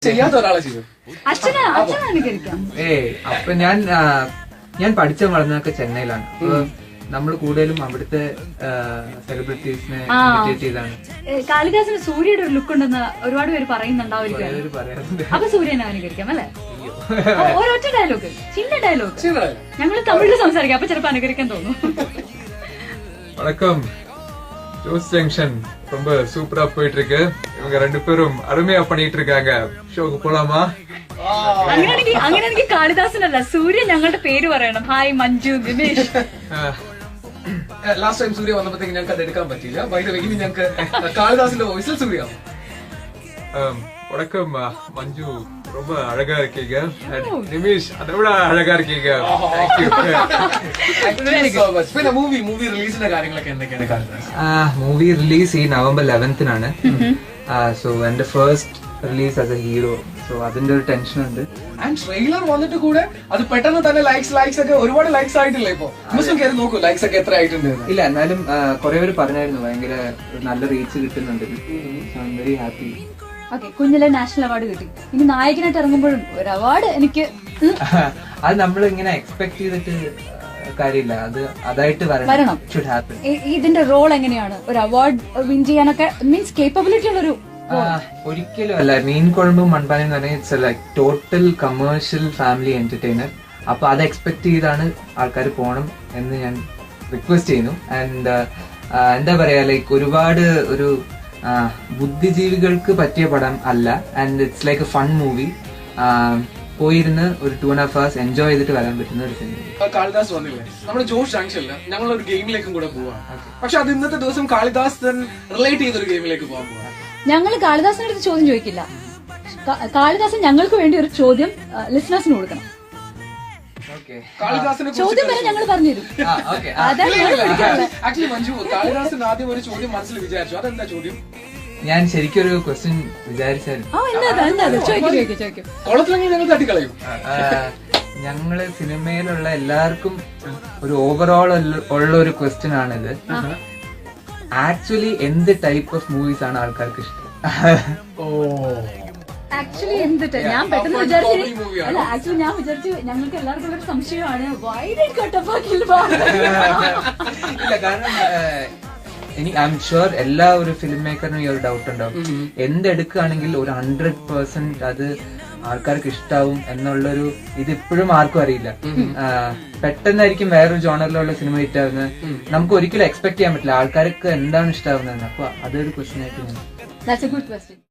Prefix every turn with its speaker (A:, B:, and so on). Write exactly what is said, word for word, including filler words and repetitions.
A: ചെയ്യാത്ത ഒരാളെ ചെയ്യും.
B: ഏ അപ്പൊ ഞാൻ ഞാൻ പഠിച്ച വളർന്നതൊക്കെ ചെന്നൈയിലാണ്. അപ്പൊ നമ്മൾ കൂടുതലും അവിടുത്തെ സെലിബ്രിറ്റീസിനെ ഇമിറ്റേറ്റ് ചെയ്താണ്.
C: കാളിദാസിന് സൂര്യയുടെ ഒരു ലുക്ക് ഉണ്ടെന്ന് ഒരുപാട് പേര് പറയുന്നുണ്ടാവും. അപ്പൊ സൂര്യനെ അനുകരിക്കാം അല്ലെ? ഒരൊറ്റ ഡയലോഗ്, ചിന്ന ഡയലോഗ് ഞങ്ങൾ തമിഴിൽ സംസാരിക്കാം, അപ്പൊ ചിലപ്പോ അനുകരിക്കാൻ തോന്നും.
D: வணக்கம், ஜோஸ் ஜங்ஷன் ரொம்ப சூப்பரா போயிட்டு இருக்கு. இவங்க ரெண்டு பேரும் அருமையா பண்ணிட்டு இருக்காங்க. ஷோக்கு போலாமா?
C: അങ്ങനെയാണെങ്കിൽ അങ്ങനെയാണെങ്കിൽ കാളിദാസനല്ല, സൂര്യ ഞങ്ങളുടെ പേര് പറയണം. Hi Manju, Dinesh.
A: Last time Surya വന്നപ്പോഴത്തേക്ക് ഞങ്ങൾക്ക് അത് എടുക്കാൻ പറ്റിയില്ല. വൈകിട്ട് ഇനി ഞങ്ങൾക്ക് കാളിദാസിന്റെ വോയിസിൽ സൂര്യ.
D: வணக்கம் மஞ்சு, ரொம்ப அழகா இருக்கீங்க. நிமிஷ், அதை விட அழகா இருக்கீங்க.
A: പിന്നെ മൂവി മൂവി റിലീസിന്റെ കാര്യങ്ങളൊക്കെ എന്തൊക്കെയാണ് കാളിദാസ്?
B: മൂവി റിലീസ് ഈ നവംബർ ലെവൻത്തിനാണ്. സോ എന്റെ first release as a hero. So അതിന്റെ ഒരു ടെൻഷൻ ഉണ്ട്.
A: ആൻഡ് ട്രെയിലർ വന്നിട്ട് കൂടെ അത് പെട്ടെന്ന് തന്നെ ലൈക്സ് ലൈക്സ് ഒക്കെ ഒരുപാട് ലൈക്സ് ആയിട്ടില്ല. ഇപ്പൊ മിസ്സും കയറി നോക്കൂ ലൈക്സ് ഒക്കെ എത്ര ആയിട്ടുണ്ട്.
B: ഇല്ല, എന്നാലും കുറെ പേര് പറഞ്ഞായിരുന്നു ഭയങ്കര നല്ല റീച്ച് കിട്ടുന്നുണ്ട്. So I'm very happy.
C: Okay, കുഞ്ഞിലെ നാഷണൽ അവാർഡ് കിട്ടി. ഇനി നായകനായിട്ട് ഇറങ്ങുമ്പോഴും ഒരു അവാർഡ് എനിക്ക്
B: അത് നമ്മൾ ഇങ്ങനെ എക്സ്പെക്ട് ചെയ്തിട്ട് കാര്യമില്ല, അത് അതായിട്ട്
C: വരണം. ഇതിന്റെ റോൾ എങ്ങനെയാണ് ഒരു അവാർഡ് വിൻ ചെയ്യാനൊക്കെ? മീൻസ് കേപ്പബിലിറ്റി ഉള്ളൊരു
B: ഒരിക്കലും അല്ല. മീൻ കുഴമ്പും മൺപാനയും എന്ന് പറഞ്ഞാൽ it's like total commercial family entertainer. അപ്പൊ അത് എക്സ്പെക്ട് ചെയ്താണ് ആൾക്കാർ പോണം എന്ന് ഞാൻ റിക്വസ്റ്റ് ചെയ്യുന്നു. ആൻഡ് എന്താ പറയാ, ലൈക്ക് ഒരുപാട് ഒരു ബുദ്ധിജീവികൾക്ക് പറ്റിയ പടം അല്ല. And it's like a fun movie. പോയിരുന്ന് ഒരു two and half hours enjoy ചെയ്തിട്ട് വരാൻ പറ്റുന്ന ഒരു സിനിമ.
A: കാളിദാസ് വന്നില്ലേ, നമ്മുടെ ജോഷ് ജംഗ്ഷനിൽ ഞങ്ങൾ ഒരു ഗെയിമിലേക്കും കൂടെ പോവാണ്. പക്ഷെ അത് ഇന്നത്തെ ദിവസം കാളിദാസ് റിലേറ്റ് ചെയ്തൊരു ഗെയിമിലേക്ക് പോകാൻ പോവാണ്.
C: ഞങ്ങൾ കാളിദാസിന്റെ അടുത്ത് ചോദ്യം ചോദിക്കില്ല. കാളിദാസൻ ഞങ്ങൾക്ക് വേണ്ടി ഒരു ചോദ്യം ലിസണേഴ്സിന് കൊടുക്കണം. ചോദ്യം വരെ ഞങ്ങൾ പറഞ്ഞുതരും.
A: ആക്ച്വലി മഞ്ജു, കാളിദാസിന് ആദ്യം ഒരു ചോദ്യം മനസ്സിൽ വിചാരിച്ചു. അതെന്താ ചോദ്യം?
B: ഞാൻ ശരിക്കും ഒരു ക്വസ്റ്റ്യൻ വിചാരിച്ചായിരുന്നു.
A: കുളത്തിലെങ്കിൽ ഞങ്ങൾ തട്ടിക്കളയും.
B: ഞങ്ങള് സിനിമയിലുള്ള എല്ലാവർക്കും ഒരു ഓവറോൾ ഉള്ള ഒരു ക്വസ്റ്റ്യൻ ആണിത്. ആക്ച്വലി എന്ത് ടൈപ്പ് ഓഫ് മൂവീസ് ആണ് ആൾക്കാർക്ക് ഇഷ്ടം?
C: ആക്ച്വലി എന്ത് ഞാൻ പെട്ടെന്ന് വിചാരിച്ചു അല്ല ആക്ച്വലി ഞാൻ വിചാരിച്ചു ഞങ്ങൾക്ക് എല്ലാവർക്കും ഒരു സംശയമാണ്.
B: ഇല്ല, കാരണം എനിക്ക് ഐ എം ഷുവർ എല്ലാ ഒരു ഫിലിം മേക്കറിനും ഈ ഒരു ഡൗട്ട് ഉണ്ടാവും. എന്തെടുക്കുകയാണെങ്കിൽ ഒരു ഹൺഡ്രഡ് പെർസെന്റ് അത് ആൾക്കാർക്ക് ഇഷ്ടാവും എന്നുള്ളൊരു ഇത് ഇപ്പോഴും ആർക്കും അറിയില്ല. പെട്ടെന്നായിരിക്കും വേറൊരു ജോണറിലുള്ള സിനിമ ഹിറ്റ് ആവുന്നത്. നമുക്ക് ഒരിക്കലും എക്സ്പെക്ട് ചെയ്യാൻ പറ്റില്ല ആൾക്കാർക്ക് എന്താണ് ഇഷ്ടാവുന്നതെന്ന്. അപ്പൊ അതൊരു ക്വസ്റ്റ്യൻ ആയിട്ട്.